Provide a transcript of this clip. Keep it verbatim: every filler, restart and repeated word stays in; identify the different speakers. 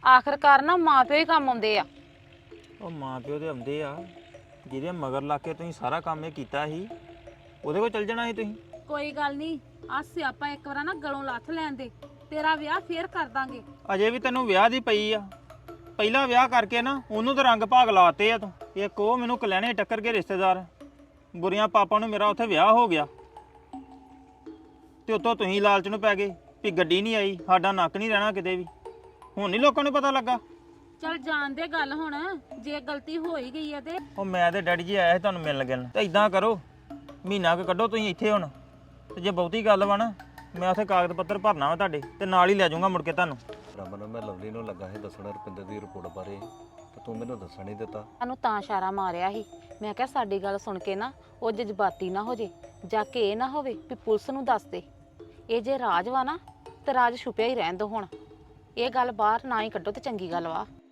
Speaker 1: ਆਖਰਕਾਰ ਨਾ ਮਾਂ ਪਿਓ ਹੀ ਕੰਮ ਆਉਂਦੇ ਆ।
Speaker 2: ਉਹ ਮਾਂ ਪਿਓ ਦੇ ਆਉਂਦੇ ਆ, ਜਿਹਦੇ ਮਗਰ ਲਾ ਕੇ ਤੁਸੀਂ ਸਾਰਾ ਕੰਮ ਇਹ ਕੀਤਾ ਸੀ ਉਹਦੇ ਕੋਲ ਚੱਲ ਜਾਣਾ ਸੀ ਤੁਸੀਂ।
Speaker 3: ਕੋਈ ਗੱਲ ਨਹੀਂ, ਆ ਸਿਆਪਾ ਇੱਕ ਵਾਰ ਨਾ ਗਲੋਂ ਲੱਥ ਲੈਣ ਦੇ, ਤੇਰਾ ਵਿਆਹ ਫੇਰ ਕਰ ਦਾਂਗੇ।
Speaker 2: ਅਜੇ ਵੀ ਤੈਨੂੰ ਵਿਆਹ ਦੀ ਪਈ ਆ। ਪਹਿਲਾ ਵਿਆਹ ਕਰਕੇ ਨਾ ਉਹਨੂੰ ਤਾਂ ਰੰਗ ਭਾਗ ਲਾਤੇ ਆ ਤੂੰ। ਇੱਕ ਉਹ ਮੈਨੂੰ ਕਲਿਆਣੇ ਟੱਕਰ ਕੇ ਰਿਸ਼ਤੇਦਾਰ, ਬੁਰੀਆਂ ਪਾਪਾ ਨੂੰ ਮੇਰਾ ਉੱਥੇ ਵਿਆਹ ਹੋ ਗਿਆ ਤੇ ਉੱਤੋਂ ਤੁਸੀਂ ਲਾਲਚ ਨੂੰ ਪੈ ਗਏ ਵੀ ਗੱਡੀ ਨਹੀਂ ਆਈ, ਸਾਡਾ ਨੱਕ ਨਹੀਂ ਰਹਿਣਾ ਕਿਤੇ ਵੀ। ਹੁਣ ਨਹੀਂ ਲੋਕਾਂ ਨੂੰ ਪਤਾ ਲੱਗਾ।
Speaker 3: ਚੱਲ ਜਾਣ ਦੇ ਗੱਲ, ਹੁਣ ਜੇ ਗਲਤੀ ਹੋ ਹੀ ਗਈ ਹੈ ਤੇ
Speaker 2: ਉਹ ਮੈਂ ਤੇ ਡੈਡੀ ਜੀ ਆਇਆ ਸੀ ਤੁਹਾਨੂੰ ਮਿਲਣ ਲੱਗਣ, ਤੇ ਇਦਾਂ ਕਰੋ ਮਹੀਨਾ ਕੁ ਕੱਢੋ ਤੁਸੀਂ ਇੱਥੇ ਹੁਣ, ਤੇ ਜੇ ਬਹੁਤੀ ਗੱਲ ਵਾ ਨਾ ਮੈਂ ਉੱਥੇ ਕਾਗਜ਼ ਪੱਤਰ ਭਰਨਾ ਵਾ ਤੁਹਾਡੇ ਤੇ ਨਾਲ ਹੀ ਲੈ ਜਾਊਂਗਾ ਮੁੜ ਕੇ ਤੁਹਾਨੂੰ।
Speaker 4: ਰਮਨ ਮੈਂ ਲਵਲੀ ਨੂੰ ਲੱਗਾ ਸੀ ਦੱਸਣਾ ਰੁਪਿੰਦਰ ਦੀ ਰਿਪੋਰਟ ਬਾਰੇ, ਤੇ ਤੂੰ ਮੈਨੂੰ ਦੱਸਣ ਨਹੀਂ ਦਿੱਤਾ।
Speaker 1: ਸਾਨੂੰ ਤਾਂ ਇਸ਼ਾਰਾ ਮਾਰਿਆ ਸੀ, ਮੈਂ ਕਿਹਾ ਸਾਡੀ ਗੱਲ ਸੁਣ ਕੇ ਨਾ ਉਹ ਜਜ਼ਬਾਤੀ ਨਾ ਹੋ ਜੇ, ਜਾ ਕੇ ਇਹ ਨਾ ਹੋਵੇ ਵੀ ਪੁਲਿਸ ਨੂੰ ਦੱਸ ਦੇ। ਇਹ ਜੇ ਰਾਜ ਵਾ ਨਾ ਤੇ ਰਾਜ ਛੁਪਿਆ ਹੀ ਰਹਿਣ ਦੋ। ਹੁਣ ਇਹ ਗੱਲ ਬਾਹਰ ਨਾ ਹੀ ਕੱਢੋ ਤੇ ਚੰਗੀ ਗੱਲ ਵਾ।